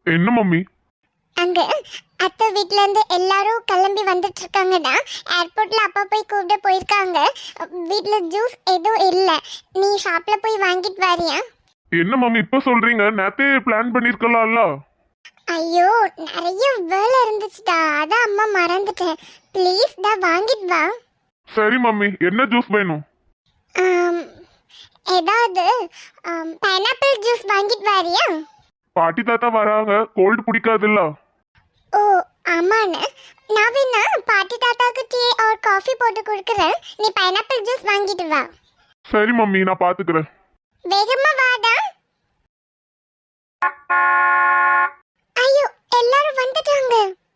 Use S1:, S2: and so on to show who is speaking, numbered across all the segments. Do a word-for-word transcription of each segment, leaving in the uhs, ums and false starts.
S1: என்ன மம்மி?
S2: அங்க அத்தை வீட்ல இருந்து எல்லாரும் கிளம்பி வந்துட்டு இருக்காங்கடா. ஏர்போர்ட்ல அப்பா போய் கூப்பிட போயிருக்காங்க. வீட்ல ஜூஸ் எதுவும் இல்ல. நீ ஷாப்ல போய் வாங்கிட்டு வரியா?
S1: என்ன மம்மி இப்ப சொல்றீங்க? நேத்தே பிளான் பண்ணிருக்கலாம்ல.
S2: ஐயோ நிறைய வேலை இருந்துச்சுடா, அதான் அம்மா மறந்துட்டேன். ப்ளீஸ் டா வாங்கிட்டு வா.
S1: சரி மம்மி, என்ன ஜூஸ் வேணும்?
S2: ஆம், ஏதாவது பைனாப்பிள் ஜூஸ் வாங்கிட்டு வரியா?
S1: பாட்டி தாத்தா வராங்க, கோல்டு பிடிக்காதுல்ல.
S2: ஓ ஆமாண்ணே, நான் வேணா பாட்டி தாத்தாக்கு டீ ஆர் காஃபி போட்டு கொடுக்குறேன். நீ பைனாப்பிள் ஜூஸ் வாங்கிட்டு வா.
S1: சரி மம்மி, நான் பாத்துக்கிறேன்.
S2: வேகமா வாடா. ஐயோ எல்லாரும் வந்துட்டாங்க.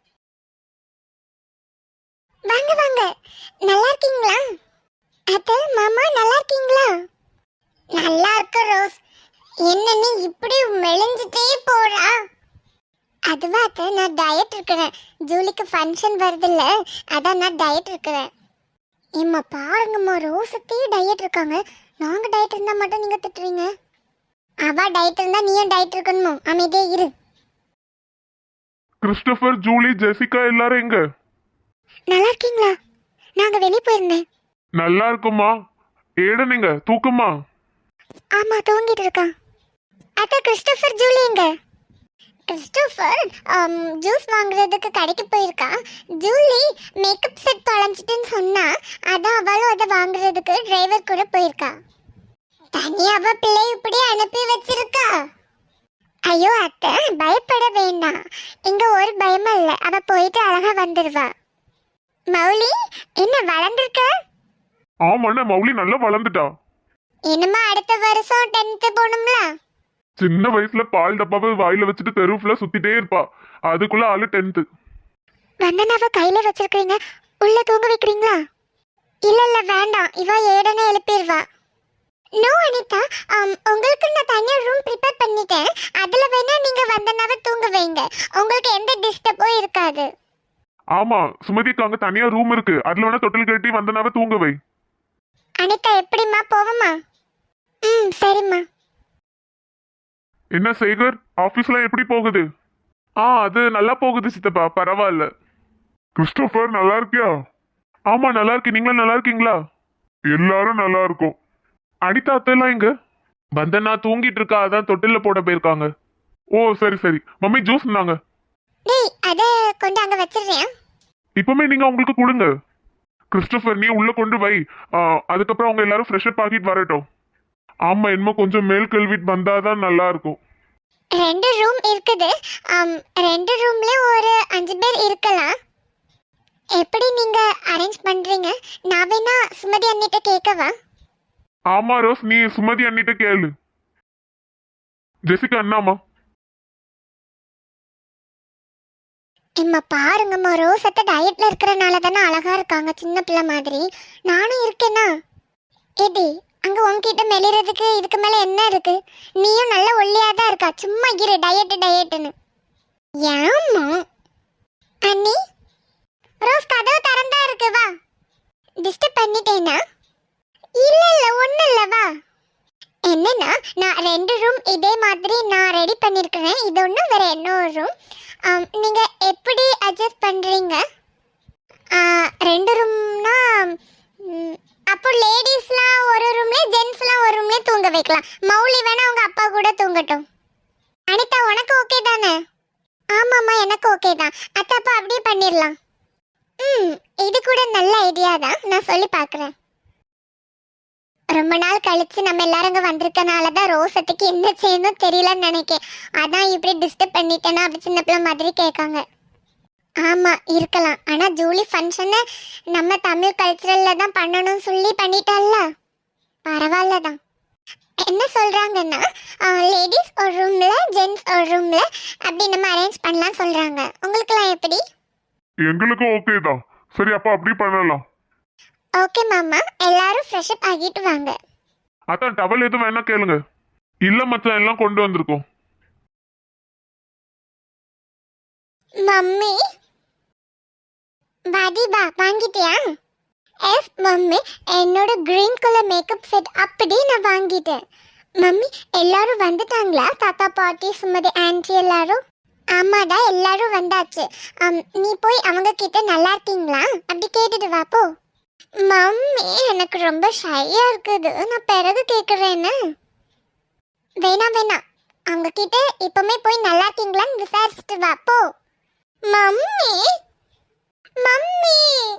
S2: வாங்க வாங்க, நல்லா இருக்கீங்களா? அத்தை மாமா நல்லா இருக்கீங்களா? நல்லா இருக்க ரோஸ். என்ன நீ இப்படி மெலிஞ்சிட்டே போறா? அதுவா அத்தை, நான் டயட் இருக்கிறேன். ஜூலிக்கு ஃபங்க்ஷன் வருதுல்ல, அதான் நான் டயட் இருக்கிறேன். ஏம்மா பாருங்கம்மா, ரோஸத்தையும் டயட் இருக்காங்க. நாங்க டயட் இருந்தா மட்டும் நீங்க திட்டுறீங்க. அவ டயட் இருந்தா நீயும் டயட் இருக்கணுமோ? அமைதியே இரு.
S1: கிறிஸ்டோபர், ஜூலி, ஜெசிகா எல்லாரும் எங்க?
S2: நல்லா இருக்கீங்களா? நாங்க வெளியே போயிருந்தேன்.
S1: நல்லா இருக்குமா? ஏட நீங்க தூக்கமா?
S2: ஆமா தூங்கிட்டு இருக்கான். அத்தை கிறிஸ்டோபர் ஜூலி எங்க? கிறிஸ்டோபர் ஜூஸ் வாங்குறதுக்கு கடைக்கு போயிருக்கான். ஜூலி மேக்கப் செட் தொலைஞ்சிட்டுன்னு சொன்னா, அதான் அவளும் அதை வாங்குறதுக்கு டிரைவர் கூட போயிருக்கா. தனியா அவ பிள்ளை இப்படி அனுப்பி வச்சிருக்கா. ஐயோ அத்தை பயப்பட வேண்டாம், இங்க ஒரு பயமும் இல்லை. அவ போயிட்டு அழகா வந்துடுவா. மௌலி என்ன வளர்ந்துருக்க?
S1: ஆமாண்ணே, மௌலி நல்லா வளர்ந்துட்டா.
S2: இனிமே அடுத்த வருஷம் டென்த்து போகணும்ல.
S1: சின்ன வயசுல பால் டப்பாவை வாயில வச்சுட்டு தெருவுல சுத்திட்டே இருப்பா. அதுக்குள்ள ஆளு டென்த்து.
S2: வந்தனாவ கையில வச்சிருக்கீங்க, உள்ள தூங்க வைக்கிறீங்களா? இல்ல இல்ல வேண்டாம், இவ ஏடனே எழுப்பிடுவா. நோ அனிதா, உங்களுக்கு நான் தனியா ரூம் ப்ரிப்பேர் பண்ணிட்டேன். அதுல வேணா நீங்க வந்தனாவ தூங்க வைங்க, உங்களுக்கு எந்த டிஸ்டர்பும் இருக்காது.
S1: ஆமா சுமதிக்கு அங்க தனியா ரூம் இருக்கு, அதுல வேணா தொட்டில் கட்டி வந்தனாவ தூங்க வை.
S2: அனிதா எப்படிம்மா, போவமா? ம் சரிம்மா.
S1: என்ன சேகர், ஆபீஸ்ல எப்படி போகுது? ஆ அது நல்லா போகுது சித்தப்பா, பரவாயில்ல. கிறிஸ்டோபர் நல்லா இருக்கியா? ஆமா நல்லா இருக்கு, நீங்களும் நல்லா இருக்கீங்களா? எல்லாரும் நல்லா இருக்கும். அனிதா அத்தைலாம் எங்க? வந்தனா தூங்கிட்டு இருக்கா, அதான் தொட்டில போட போயிருக்காங்க. ஓ சரி சரி. மம்மி ஜூஸ் இருந்தாங்க.
S2: டேய் அத கொண்டு அங்க வச்சிடுறேன்.
S1: இப்பவுமே நீங்க உங்களுக்கு கொடுங்க. கிறிஸ்டோபர் நீ உள்ள கொண்டு வை, அதுக்கப்புறம் அவங்க எல்லாரும் ஃப்ரெஷ் அப் ஆகிட்டு வரட்டும். ஆமா இன்னும் கொஞ்சம் மேல் கல்விட்டு வந்தாதான் நல்லா இருக்கும்.
S2: ரெண்டு ரூம் இருக்குது. ரெண்டு ரூம்ல ஒரு அஞ்சு பேர் இருக்கலாம். எப்படி நீங்க அரேஞ்ச் பண்றீங்க? நான் வேணா சுமதி அண்ணிட்ட கேட்கவா?
S1: ஆமா ரோஸ், நீ சுமதி அண்ணிட்ட கேளு. ஜெசிகா அண்ணாமா?
S2: இம்மா பாருங்கம்மா, ரோசத்தை டயட்ல இருக்கிறனால தானே அழகா இருக்காங்க, சின்ன பிள்ளை மாதிரி. நானும் இருக்கேனா? ஏடி அங்க உன்கிட்ட மெலிறதுக்கு இதுக்கு மேல என்ன இருக்கு? நீயும் நல்ல ஒல்லியா தான் இருக்கா, சும்மா இரு டயட் டயட்னு. ஏம்மா அண்ணி, ரோஸ் கதவு திறந்தா இருக்கு, வா. டிஸ்டர்ப் பண்ணிட்டேனா? இல்ல இல்ல ஒண்ணு இல்ல, வா. என்னன்னா நான் ரெண்டு ரூம் இதே மாதிரி நான் ரெடி பண்ணிருக்கிறேன். இது ஒன்று வேற இன்னொரு ரூம். நீங்க எப்படி அட்ஜஸ்ட் பண்றீங்க? ரெண்டு ரூம்னா அப்போ லேடிஸ்லாம் ஒரு ரூம்ல, ஜென்ஸ்லாம் ஒரு ரூம்ல தூங்க வைக்கலாம். மௌலி வேணா அவங்க அப்பா கூட தூங்கட்டும். அனிதா உனக்கு ஓகே தானே? ஆமாம்மா எனக்கு ஓகே தான் அத்தை, அப்போ அப்படியே பண்ணிடலாம். ம் இது கூட நல்ல ஐடியா தான், நான் சொல்லி பார்க்குறேன். ரொம்ப நாள் கழிச்சு நம்ம எல்லாரும் அங்கே வந்திருக்கனால தான் ரோசத்துக்கு என்ன செய்யணும் தெரியலன்னு நினைக்கேன். அதான் இப்படி டிஸ்டர்ப் பண்ணிட்டேன்னா அப்படி சின்ன பிள்ளை மாதிரி கேட்காங்க. ஆமாம் இருக்கலாம், ஆனால் ஜூலி ஃபங்க்ஷனை நம்ம தமிழ் கல்ச்சரலில் தான் பண்ணணும்னு சொல்லி பண்ணிட்டால, பரவாயில்ல தான். என்ன சொல்கிறாங்கன்னா லேடிஸ் ஒரு ரூமில், ஜென்ட்ஸ் ஒரு ரூமில் அப்படி நம்ம அரேஞ்ச் பண்ணலாம் சொல்கிறாங்க. உங்களுக்குலாம் எப்படி?
S1: எங்களுக்கும் ஓகே தான். சரி அப்போ அப்படி பண்ணலாம்.
S2: ஓகே மாமா, எல்லாரும் ஃப்ரெஷ் அப் ஆகிட்டு வாங்க.
S1: அதான் டவல் எதுவும் வேணா கேளுங்க. இல்ல மச்சான் எல்லாம் கொண்டு வந்திருக்கோம்.
S2: மம்மி வாடிபா வாங்கிட்டியா? எஸ் மம்மி, என்னோட கிரீன் கலர் மேக்கப் செட் அப்படி நான் வாங்கிட்டேன். மம்மி எல்லாரும் வந்துட்டாங்களா? தாத்தா பாட்டி சுமதி ஆன்ட்டி எல்லாரும்? ஆமாடா எல்லாரும் வந்தாச்சு. அம், நீ போய் அவங்க கிட்ட நல்லா இருக்கீங்களா அப்படி கேட்டுட்டு வா போ. மம்மி எனக்கு ரொம்ப ஷையா இருக்குது, நான் பிறகு கேக்குறேன்னு. வேணாம் வேணாம், அவங்க கிட்ட இப்பவுமே போய் நல்லா இருக்கீங்களான்னு விசாரிச்சுட்டு வா போ. மம்மி மம்மி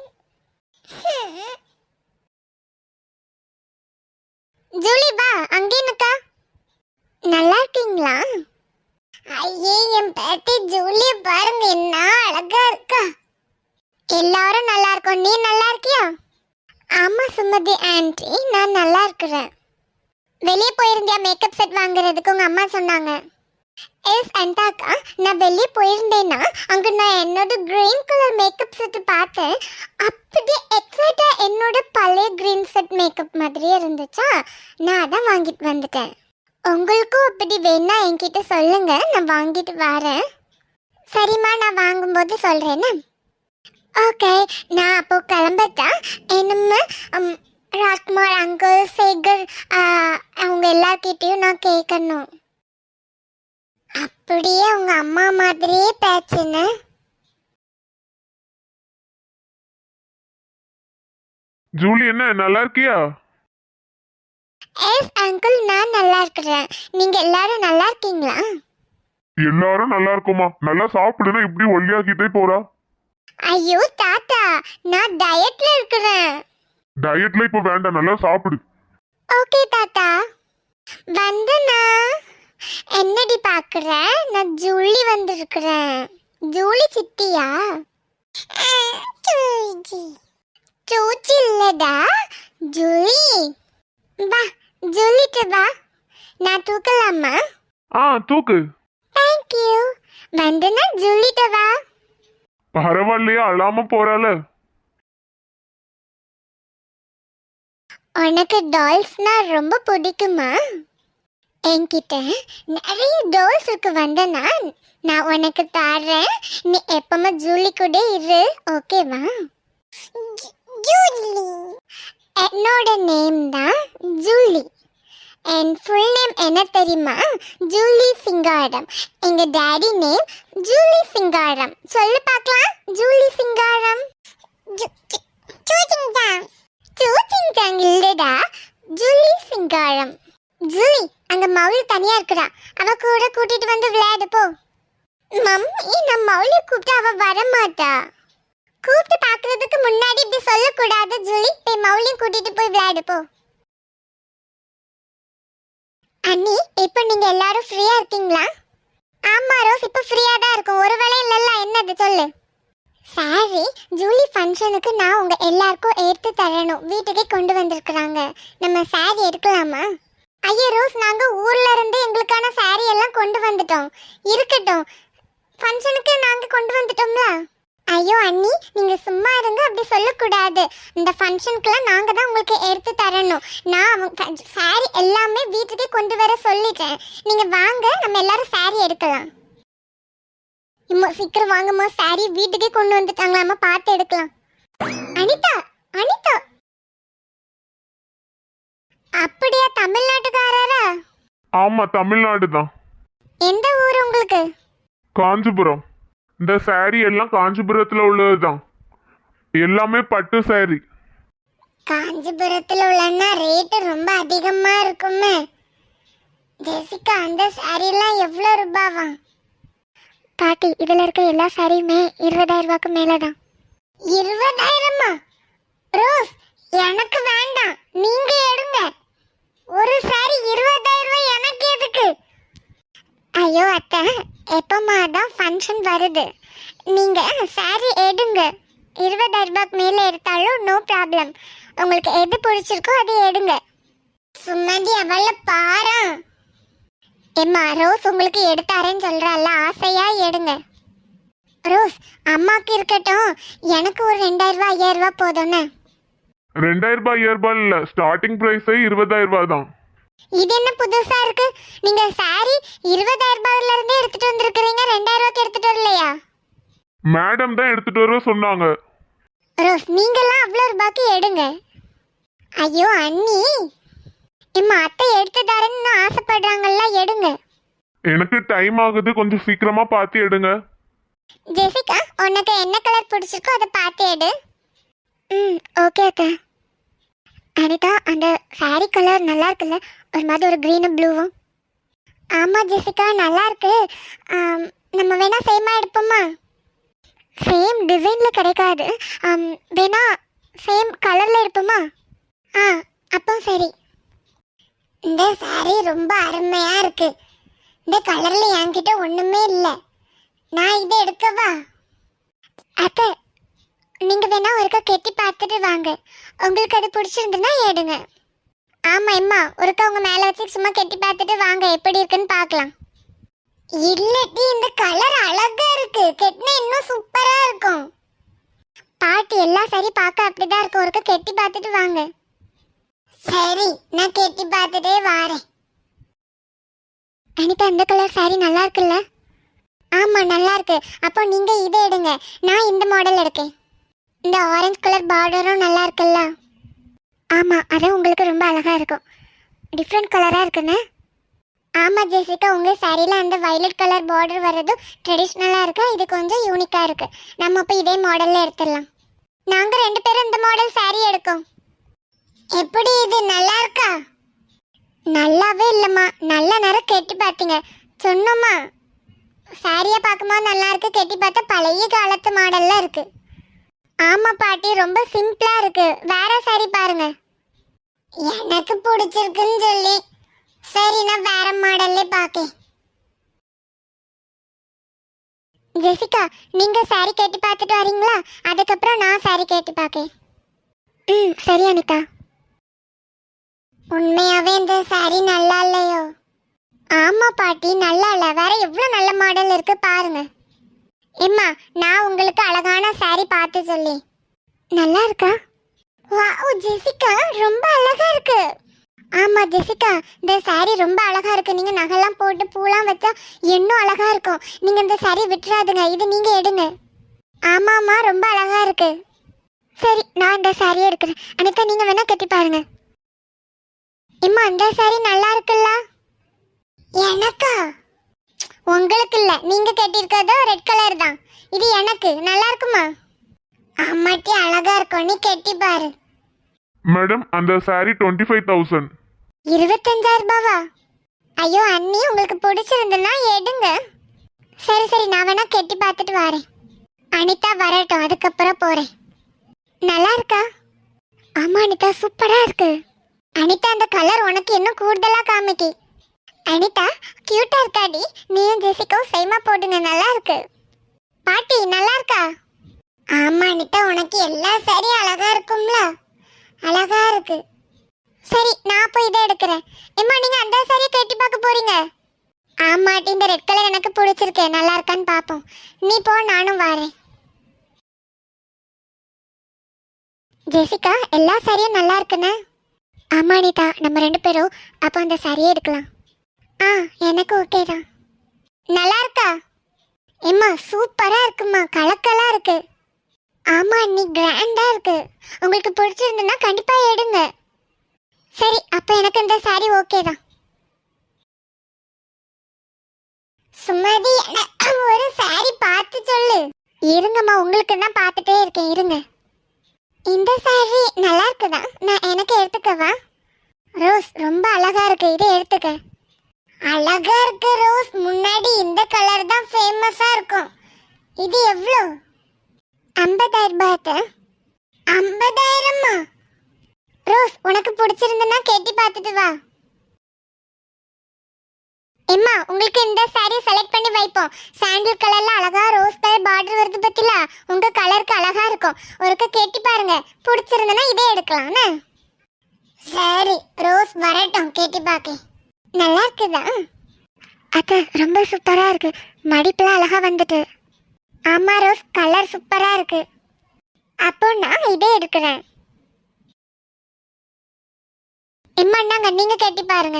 S2: ஜூலி வா அங்கே நிக்கா. நல்லா இருக்கீங்களா? ஐயே என் பேத்தி ஜூலிய பாருங்க, என்ன அழகா இருக்கா. எல்லாரும் நல்லா இருக்கோம், நீ நல்லா இருக்கியா? ஆமா சுமதி ஆன்ட்டி, நான் நல்லா இருக்கிறேன். வெளியே போயிருந்தியா மேக்கப் செட் வாங்குறதுக்கு? உங்க அம்மா சொன்னாங்க. எஸ் அண்டாக்கா, நான் வெளியே போயிருந்தேன்னா அங்க நான் என்னோட கிரீன் கலர் மேக்கப் செட் பார்த்தேன். அப்படியே எக்ஸாக்டா என்னோட பழைய கிரீன் செட் மேக்கப் மாதிரியே இருந்துச்சா, நான் அதான் வாங்கிட்டு வந்துட்டேன். உங்களுக்கும் அப்படி வேணா என்கிட்ட சொல்லுங்க, நான் வாங்கிட்டு வரேன். சரிம்மா, நான் வாங்கும்போது சொல்றேன்னு. ஓகே, நான் அப்போ கிளம்பட்டா. என்னம்மா ராஜ்குமார் அங்கிள் சேகர் அவங்க எல்லார்கிட்டையும் நான் கேட்கணும். அப்படியே உங்க அம்மா மாதிரியே பேச்சுன்னு.
S1: ஜூலி என்ன நல்லா இருக்கியா?
S2: எஸ் அங்கிள், நான் நல்லா இருக்கிறேன். நீங்க எல்லாரும் நல்லா இருக்கீங்களா?
S1: எல்லாரும் நல்லா இருக்குமா? நல்லா சாப்பிடுனா இப்படி ஒல்லியாக்கிட்டே போறா.
S2: ஐயோ தாத்தா, நான் டயட்ல இருக்கிறேன்.
S1: டயட்ல இப்ப வேண்டாம், நல்லா சாப்பிடு.
S2: ஓகே தாத்தா. வந்தனா என்னடி பாக்குற? நான் ஜூலி வந்திருக்கிறேன். ஜூலி சித்தியா? சூச்சி இல்லடா ஜூலி. வா ஜூலிட்ட வா, நான் தூக்கலாமா?
S1: ஆ தூக்கு.
S2: Thank you. வந்தனா ஜூலிட்ட வா.
S1: பரவாயில்லையா, அழாம போறால.
S2: உனக்கு டால்ஸ்னா ரொம்ப பிடிக்குமா? என்கிட்ட நிறைய டால்ஸ் இருக்கு. வந்தனா நான் உனக்கு தரேன், நீ எப்பமா ஜூலி கூட இரு, ஓகேவா? ஜூலி என்னோட நேம் தான் ஜூலி. என் ஃபுல் நேம் என்ன தெரியுமா? ஜூலி சிங்காரம். எங்க டாடி நேம் ஜூலி சிங்காரம். சொல்லு பார்க்கலாம். ஜூலி சிங்காரம். சூச்சிங்டாங். சூச்சிங்டாங் இல்லடா, ஜூலி சிங்காரம். ஜூலி அங்க மௌலி தனியா இருக்குடா, அவ கூட கூட்டிட்டு வந்து விளையாடு போ. மம்மி, நான் மௌலி கூப்பிட்டு அவ வரமாட்டா. கூப்பிட்டு பாக்குறதுக்கு முன்னாடி இப்படி சொல்லக்கூடாது ஜூலி. போய் மௌலியும் கூட்டிட்டு போய் விளையாடு போ. அண்ணி, இப்போ நீங்க எல்லாரும் ஃப்ரீயா இருக்கீங்களா? ஆமா ரோஸ், இப்போ ஃப்ரீயா தான் இருக்கும். ஒரு வேளை இல்லல்ல, என்னது சொல்லு. சாரி, ஜூலி ஃபங்க்ஷனுக்கு நான் உங்க எல்லாருக்கும் எடுத்து தரணும், வீட்டுக்கே கொண்டு வந்திருக்கிறாங்க. நம்ம சாரி எடுக்கலாமா? ஐயோ ரோஸ், நாங்க ஊர்ல இருந்து எங்களுக்கான சாரி எல்லாம் கொண்டு வந்துட்டோம். இருக்கட்டும், ஃபங்க்ஷனுக்கு நாங்க கொண்டு வந்துட்டோம்ல. ஐயோ அண்ணி, நீங்க சும்மா இருங்க, அப்படி சொல்லக்கூடாது. இந்த ஃபங்க்ஷனுக்குலாம் நாங்க தான் உங்களுக்கு எடுத்து தரணும். நான் அவங்க சாரி எல்லாமே வீட்டுக்கே கொண்டு வர சொல்லிட்டேன். நீங்க வாங்க, நம்ம எல்லாரும் சாரி எடுக்கலாம். இம்மா சீக்கிரம் வாங்கம்மா, சாரி வீட்டுக்கே கொண்டு வந்துட்டாங்களாம்மா, பார்த்து எடுக்கலாம். அனிதா, அனிதா. அப்படியா, தமிழ்நாட்டுக்காரரா?
S1: ஆமா, தமிழ்நாடு தான்.
S2: எந்த ஊர் உங்களுக்கு?
S1: காஞ்சிபுரம். இந்த சாரி எல்லாம் காஞ்சிபுரத்துல உள்ளதுதான், எல்லாமே பட்டு சாரி.
S2: காஞ்சிபுரத்துல உள்ளன்னா ரேட்டு ரொம்ப அதிகமா இருக்குமே. ஜெசிகா, அந்த சாரி எல்லாம் எவ்வளவு ரூபாவா? பாட்டி, இதுல இருக்க எல்லா சாரியுமே இருபதாயிரம் ரூபாய்க்கு மேலதான். இருபதாயிரமா? ரோஸ், எனக்கு வேண்டாம், நீங்க எடுங்க. ஒரு சாரி இருபதாயிரம் ரூபாய், எனக்கு எதுக்கு? ஐயோ அத்தை, எப்பமா தான் ஃபங்க்ஷன் வருது, நீங்க சாரி எடுங்க. இருபதாயிரம் ரூபாய்க்கு மேல எடுத்தாலும் நோ ப்ராப்ளம். உங்களுக்கு எது பிடிச்சிருக்கோ அது எடுங்க. சுமதி அவள பாரு. எம்மா ரோஸ், உங்களுக்கு எடுத்தாரேன்னு சொல்றால, ஆசையா எடுங்க. ரோஸ், அம்மாக்கு இருக்கட்டும், எனக்கு ஒரு ரெண்டாயிரம் ரூபாய் ஐயாயிரம் ரூபாய் போதும்னு.
S1: ரெண்டாயிரம் ரூபாய் ஐயாயிரம் ரூபாய் இல்ல, ஸ்டார்டிங் பிரைஸே இருபதாயிரம் ரூபாய் தான்.
S2: இது என்ன புதுசா இருக்கு? நீங்க சாரி இருபதாயிரம் ரூபாயில இருந்தே எடுத்துட்டு வந்திருக்கீங்க, ரெண்டாயிரம் ரூபாய்க்கு எடுத்துட்டு வரலையா?
S1: மேடம் தான் எடுத்துட்டு வர சொன்னாங்க.
S2: ரோஸ், நீங்கெல்லாம் அவ்வளோ ரூபாய்க்கு எடுங்க. ஐயோ அண்ணி, எம்மா அத்தை எடுத்து தரேன்னு ஆசைப்படுறாங்கல்ல, எடுங்க.
S1: எனக்கு டைம் ஆகுது, கொஞ்சம் சீக்கிரமா பார்த்து எடுங்க.
S2: ஜெசிகா உனக்கு என்ன கலர் பிடிச்சிருக்கோ அதை பார்த்து எடு. ம் ஓகே அக்கா. அனிதா அந்த சாரி கலர் நல்லா இருக்குல்ல, ஒரு மாதிரி ஒரு க்ரீனும் ப்ளூவும். ஆமாம் ஜெசிகா நல்லா இருக்கு. ஆம், நம்ம வேணா சேமாக எடுப்போமா? சேம் டிசைனில் கிடைக்காது, ஆம், வேணா சேம் கலரில் எடுப்போமா? ஆ அப்போ சரி. இந்த சாரி ரொம்ப அருமையாக இருக்கு. இந்த கலரில் என்கிட்ட ஒன்றுமே இல்லை. நான் இதை எடுக்கவா? அத்தை நீங்கள் வேணா ஒருக்கா கெட்டி பார்த்துட்டு வாங்க. உங்களுக்கு அது பிடிச்சிருந்துன்னா எடுங்க. ஆமாம் எம்மா, ஒருக்கா உங்கள் மேலே வச்சு சும்மா கெட்டி பார்த்துட்டு வாங்க, எப்படி இருக்குன்னு பார்க்கலாம். இல்லட்டி இந்த கலர் அழகா இருக்கு, கெட்டினா இன்னும் சூப்பரா இருக்கும். பாட்டி எல்லாம் சரி பார்க்க அப்படிதான் இருக்கும், ஒருக்கா கெட்டி பார்த்துட்டு வாங்க. சரி நான் கெட்டி பார்த்துட்டே வாரேன். அனிதா இந்த கலர் சாரி நல்லா இருக்குல்ல? ஆமா நல்லா இருக்கு. அப்போ நீங்க இதை எடுங்க, நான் இந்த மாடல் எடுக்கேன். இந்த ஆரஞ்சு கலர் பார்டரும் நல்லா இருக்குல்ல? ஆமா அது உங்களுக்கு ரொம்ப அழகா இருக்கும், டிஃப்ரெண்ட் கலரா இருக்குன்னு. ஆமாம் ஜெசிகா, உங்கள் சாரியில் அந்த வயலட் கலர் பார்டர் வர்றதும் ட்ரெடிஷ்னலாக இருக்கா, இது கொஞ்சம் யூனிக்காக இருக்குது. நம்ம அப்போ இதே மாடலில் எடுத்துடலாம். நாங்கள் ரெண்டு பேரும் இந்த மாடல் சாரி எடுக்கோம். எப்படி இது நல்லா இருக்கா? நல்லாவே இல்லைம்மா, நல்ல நேரம் கெட்டி பார்த்தீங்க சொன்னோம்மா. சாரியை பார்க்கும்போது நல்லா இருக்கு, கெட்டி பார்த்தா பழைய காலத்து மாடலில் இருக்குது. ஆமாம் பாட்டி ரொம்ப சிம்பிளாக இருக்குது, வேற சாரி பாருங்க. எனக்கு பிடிச்சிருக்குன்னு சொல்லி சரி நான் வேற மாடல்ல பாக்கேன். ஜெசிகா நீங்க சாரி கேட்டு பார்த்துட்டு வரீங்களா? அதுக்கப்புறம் நான் சாரி கேட்டு பார்க்கேன். ம் சரி அனிதா. உண்மையாவே இந்த சாரி நல்லா இல்லையோ? ஆமா பாட்டி நல்லா இல்ல, வேற எவ்வளவு நல்ல மாடல் இருக்கு பாருங்க. எம்மா நான் உங்களுக்கு அழகான சாரி பார்த்து சொல்லி. நல்லா இருக்கா? வாவ் ஜெசிகா ரொம்ப அழகா இருக்கு. ஆமா ஜெசிகா இந்த சாரி ரொம்ப அழகா இருக்கு, நீங்க நகைலாம் போட்டு பூலாம் வச்சா இன்னும் அழகா இருக்கும். நீங்க இந்த சாரி விட்டுறாதுங்க, இது நீங்க எடுங்க. ஆமாம்மா ரொம்ப அழகா இருக்கு. சரி நான் இந்த சாரியை எடுக்கிறேன். அனிதா நீங்க வேணா கட்டி பாருங்க. இம்மா இந்த சாரி நல்லா இருக்குல்ல? எனக்கா? உங்களுக்கு இல்ல, நீங்க கட்டியிருக்கதோ ரெட் கலர் தான், இது எனக்கு. நல்லா இருக்குமா? ஆமாட்டி அழகா இருக்கும், நீ கட்டி பாரு.
S1: மேடம் அந்த சாரி டுவெண்ட்டி ஃபைவ் தௌசண்ட்.
S2: இருபத்தஞ்சாயிரம் ரூபாவா? ஐயோ அண்ணி உங்களுக்கு பிடிச்சிருந்துன்னா எடுங்க. சரி சரி நான் வேணா கெட்டி பார்த்துட்டு வரேன். அனிதா வரட்டும், அதுக்கப்புறம் போறேன். நல்லா இருக்கா? ஆமா அனிதா சூப்பரா இருக்கு. அனிதா அந்த கலர் உனக்கு இன்னும் கூடுதலா காமிக்கி. அனிதா கியூட்டா இருக்காடி, நீயும் ஜெசிகாவும் சேமா போடுங்க, நல்லா இருக்கு. பாட்டி நல்லா இருக்கா? ஆமா அனிதா உனக்கு எல்லா சாரியும் அழகா இருக்கும்ல? அழகா இருக்கு. சரி நான் போய் இதை எடுக்கிறேன். எம்மா நீங்க அந்த சாரியை கட்டி பார்க்க போறீங்க? ஆமாட்டி இந்த ரெட் கலர் எனக்கு பிடிச்சிருக்கு, நல்லா இருக்கான்னு பார்ப்போம். நீ போ நானும் வரேன். ஜெசிகா எல்லா சாரியும் நல்லா இருக்குன்னு? ஆமா அனிதா நம்ம ரெண்டு பேரும் அப்போ அந்த சாரியை எடுக்கலாம். ஆ எனக்கு ஓகே தான். நல்லா இருக்கா? எம்மா சூப்பரா இருக்குமா, கலக்கலா இருக்கு. ஆமா நீ கிராண்டா இருக்கு, உங்களுக்கு பிடிச்சிருந்துன்னா கண்டிப்பா எடுங்க. சரி அப்ப எனக்கு இந்த சாரி ஓகே தான். சுமதி எனக்கு ஒரு சாரி பார்த்து சொல்லு. இருங்கம்மா உங்களுக்கு தான் பார்த்துட்டே இருக்கேன், இருங்க. இந்த சாரி நல்லா இருக்குதா? நான் எனக்கு எடுத்துக்கவா? ரோஸ் ரொம்ப அழகா இருக்கு, இதை எடுத்துக்க. அழகா இருக்கு ரோஸ், முன்னாடி இந்த கலர் தான் ஃபேமஸா இருக்கும். இது எவ்வளோ? ஐம்பதாயிரம் ரூபாய். ஐம்பதாயிரமா? ரோஸ் உனக்கு பிடிச்சிருந்தனா கேட்டி பார்த்துட்டு வா. எம்மா உங்களுக்கு இந்த சாரி செலக்ட் பண்ணி வைப்போம். சாண்டில் கலர்ல அழகா ரோஸ் கலர் பார்டர் வருது பத்தில, உங்க கலருக்கு அழகா இருக்கும். ஒருக்க கேட்டி பாருங்க, பிடிச்சிருந்தனா இதே எடுக்கலாம்னு. சரி ரோஸ் வரட்டும், கேட்டி பார்க்க. நல்லா இருக்குதா? அக்கா ரொம்ப சூப்பரா இருக்கு, மடிப்புலாம் அழகா வந்துட்டு. ஆமா ரோஸ் கலர் சூப்பரா இருக்கு. அப்போ நான் இதே எடுக்கிறேன். எம்மாண்டாங்க நீங்க கேட்டி பாருங்க.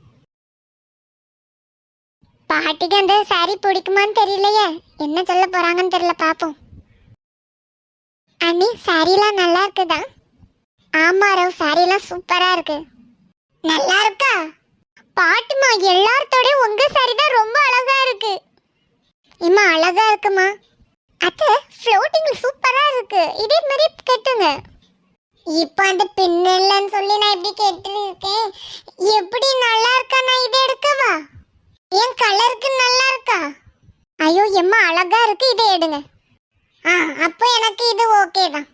S2: பாட்டிக்கு அந்த சாரி பிடிக்குமான்னு தெரியலையே, என்ன சொல்ல போறாங்கன்னு தெரியல, பாப்போம். அண்ணி சாரிலாம் நல்லா இருக்குதா? ஆமா ரவ் சாரிலாம் சூப்பரா இருக்கு. நல்லா இருக்கா? பாட்டுமா எல்லார்த்தோட உங்க சாரி தான் ரொம்ப அழகா இருக்கு. இம்மா அழகா இருக்குமா. அத்தை ஃப்ளோட்டிங் சூப்பரா இருக்கு. இதே மாதிரி கட்டுங்க. இப்போ அந்த பின்னலன்னு சொல்லி நான் இப்படி கேட்டிருக்கேன். எப்படி நல்லா இருக்கா? நான் இதை எடுக்கவா? என் கலருக்கு நல்லா இருக்கா? ஐயோ எம்மா அழகா இருக்கு, இதை எடுங்க. ஆ அப்போ எனக்கு இது ஓகே தான்.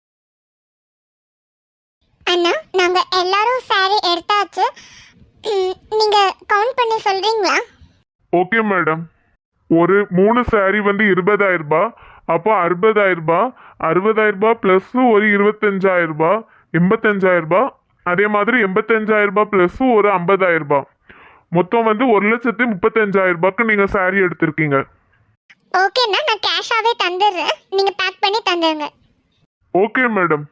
S2: அண்ணா நாங்க எல்லாரும் சாரி எடுத்தாச்சு. ம், நீங்க கவுண்ட் பண்ணி சொல்றீங்களா?
S1: Okay madam. ஒரு மூணு சாரி வந்து இருபதாயிரம் ரூபாய், அப்போ அறுபதாயிரம் ரூபாய், அறுபதாயிரம் ரூபாய் ப்ளஸ் ஒரு இருபத்தஞ்சாயிரம் ரூபாய், எண்பத்தஞ்சாயிரம் ரூபாய், அதே மாதிரி எண்பத்தஞ்சாயிரம் ரூபாய் ப்ளஸ் ஒரு ஐம்பதாயிரம் ரூபாய், மொத்தம் வந்து ஒரு லட்சத்தி முப்பத்தஞ்சாயிரம் ரூபாய்க்கு நீங்க சாரி எடுத்திருக்கீங்க.
S2: ஓகேண்ணா நான் கேஷாவே தந்துடுறேன். நீங்க பேக் பண்ணி தந்துருங்க.
S1: Okay madam.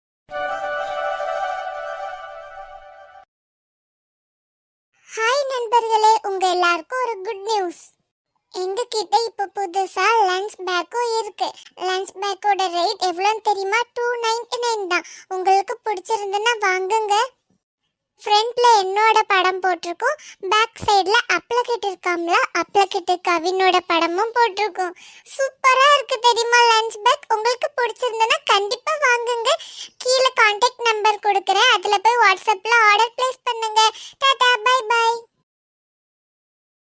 S2: ஹாய் நண்பர்களே, உங்க எல்லாருக்கும் ஒரு குட் நியூஸ். எங்க கிட்ட இப்ப புதுசா லஞ்ச் பேக்கும் இருக்கு. லஞ்ச் பேக்கோட ரேட் எவ்வளோன்னு தெரியுமா? டூ நைன்டி நைன் தான். உங்களுக்கு பிடிச்சிருந்துன்னா வாங்குங்க. ஃப்ரண்ட்ல என்னோட படம் போட்டிருக்கோம், பேக் சைடில் அப்ளகிட் இருக்காம்ல, அப்ளகிட் கவினோட படமும் போட்டிருக்கோம். சூப்பரா இருக்கு தெரியுமா லஞ்ச் பேக். உங்களுக்கு பிடிச்சிருந்துன்னா கண்டிப்பா வாங்குங்க. கீழே கான்டாக்ட் நம்பர் கொடுக்குறேன், அதுல போய் வாட்ஸ்அப்ல ஆர்டர் பிளேஸ் பண்ணுங்க. Tata bye by.